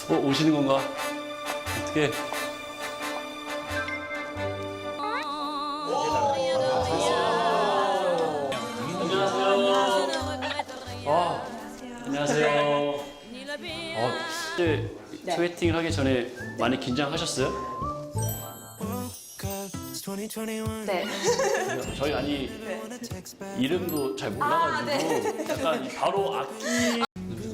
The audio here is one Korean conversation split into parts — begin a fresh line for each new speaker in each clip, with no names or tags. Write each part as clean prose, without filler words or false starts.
오시는 건가? 어떻게? 안녕하세요. 이제 소개팅을 하기 전에 많이 긴장하셨어요?
네.
저희 아니 이름도 잘 몰라가지고 약간 바로 악기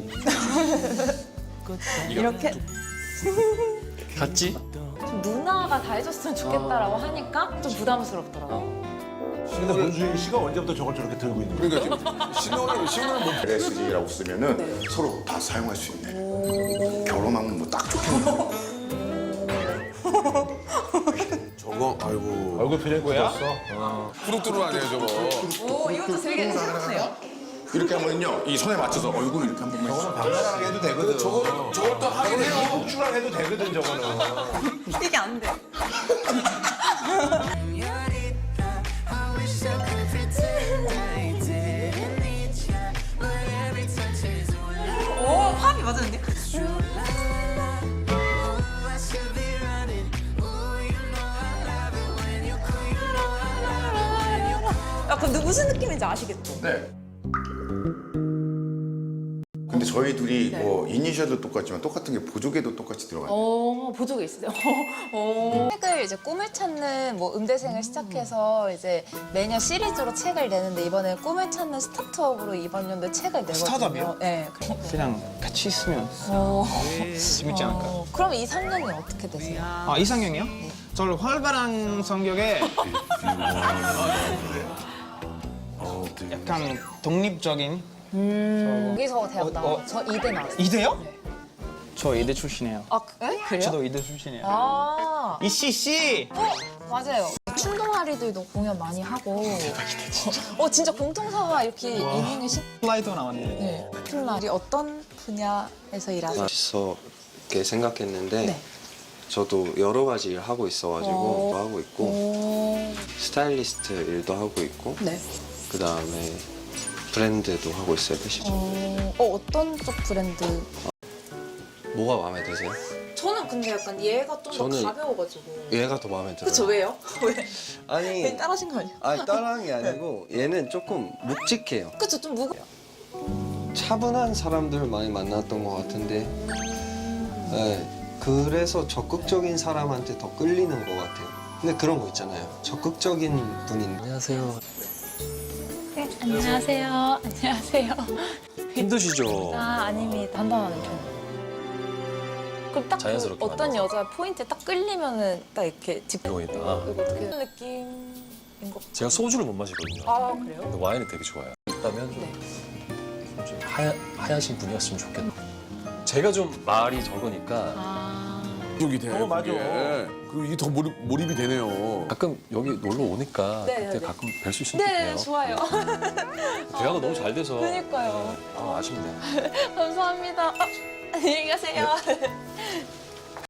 이렇게
같지?
좀 누나가 다 해줬으면 좋겠다라고 하니까 좀 부담스럽더라고.
근데 문수인 씨가 언제부터 저걸 저렇게 들고 있는 거야?
그러니까 신호를 뭐 LSD라고 쓰면은 서로 다 사용할 수 있네. 결혼하면 뭐 딱 좋겠네.
저거 아이고
얼굴 표정이 뭐야?
뚜루뚜루하네요 저거.
오, 이것도 되게 새롭네요.
이렇게 하면요 이 손에 맞춰서 얼굴 이렇게 한 번만 해주세요.
당연하게 해도 되거든.
저걸 또 하긴 해요.
폭주랑 해도 되거든 저거는.
이게 안 돼. 오, 팝이 맞았는데? 야, 근데 무슨 느낌인지 아시겠죠?
네. 근데 저희 둘이 뭐 이니셜도 똑같지만 똑같은 게 보조개도 똑같이 들어가요.
보조개 있으세요? 책을 이제 꿈을 찾는 뭐 음대생을 시작해서 이제 매년 시리즈로 책을 내는데 이번에 꿈을 찾는 스타트업으로 이번 연도에 책을 내거든요.
스타트업이요?
네.
그냥 같이 있으면 재밌지 않을까요?
그럼 2, 3년이 어떻게 되세요?
아, 이상형이요? 저를 활발한 성격에 약간 독립적인
여기서 대학 나와요. 저 이대 나왔어요.
이대요? 저 이대 출신이에요.
아, 그래요?
저도 이대 출신이에요.
아,
이씨씨!
맞아요. 춤동아리들도 공연 많이 하고. 진짜 공통사와 이렇게 있는 게
슬라이더 나왔네.
네. 팀날이 어떤 분야에서 일하세요?
맛있게 생각했는데
네.
저도 여러 가지 일 하고 있어가지고 하고 있고
오.
스타일리스트 일도 하고 있고
네.
그 다음에 브랜드도 하고 있어요 패션.
어떤 쪽 브랜드?
뭐가 마음에 드세요?
저는 근데 약간 얘가 좀 더
저는
가벼워가지고.
얘가 더 마음에 들어요.
그쵸, 왜요? 왜?
아니
따라하신 거 아니에요?
아니 따라한 게 아니고 얘는 조금 묵직해요.
그쵸, 좀 무거.
차분한 사람들 많이 만났던 것 같은데 네, 그래서 적극적인 사람한테 더 끌리는 것 같아요. 근데 그런 거 있잖아요. 적극적인 분인. 안녕하세요.
네, 안녕하세요. 안녕하세요.
힘드시죠?
아닙니다. 단단하는 편. 그럼 딱
자연스럽게
어떤 여자 포인트에 딱 끌리면은 딱 이렇게
이거 있다.
이거 어떻게 느낌인 것
제가 소주를 못 마시거든요.
아, 그래요?
근데 와인이 되게 좋아요. 있다면 좀 하얀신 분이었으면 좋겠다. 제가 좀 말이 적으니까
이게 돼.
맞아.
그 이게 더 몰입이 되네요.
가끔 여기 놀러 오니까
네,
그때
네.
가끔 뵐 수 있으면
네,
좋겠네요.
좋아요.
대화가 너무 잘 돼서
그니까요.
아쉽네.
감사합니다. 안녕히 가세요.